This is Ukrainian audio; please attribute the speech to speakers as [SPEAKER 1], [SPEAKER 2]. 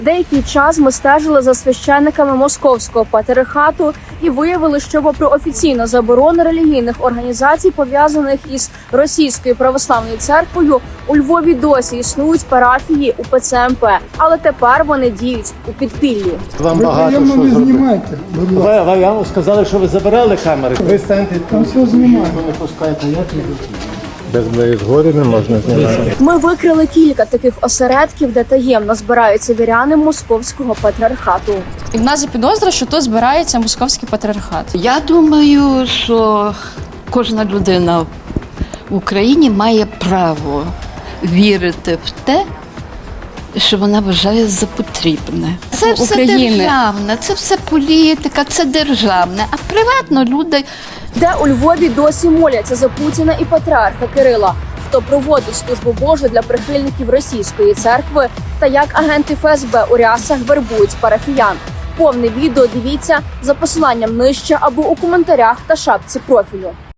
[SPEAKER 1] Деякий час ми стежили за священниками Московського патріархату і виявили, що попри офіційну заборону релігійних організацій, пов'язаних із Російською православною церквою, у Львові досі існують парафії УПЦ МП, але тепер вони діють у підпіллі.
[SPEAKER 2] Вам
[SPEAKER 3] Ви
[SPEAKER 2] багато
[SPEAKER 3] приємно
[SPEAKER 2] що
[SPEAKER 3] не
[SPEAKER 2] зробити.
[SPEAKER 3] знімайте, будь ласка.
[SPEAKER 2] Ви вам сказали, що ви забирали камери. Ви станьте
[SPEAKER 3] Там все знімаємо.
[SPEAKER 2] не пускаєте, як не без моєї згоди не можна знімати.
[SPEAKER 1] Ми викрили кілька таких осередків, де таємно збираються віряни Московського патріархату.
[SPEAKER 4] І в нас є підозра, що тут збирається московський патріархат.
[SPEAKER 5] Я думаю, що кожна людина в Україні має право вірити в те, що вона вважає за потрібне. Це все
[SPEAKER 4] України.
[SPEAKER 5] державне, це все політика, це державне. А приватно люди
[SPEAKER 1] Де у Львові досі моляться за Путіна і патріарха Кирила, хто проводить службу Божу для прихильників російської церкви, та як агенти ФСБ у рясах вербують парафіян. Повне відео дивіться за посиланням нижче або у коментарях та шапці профілю.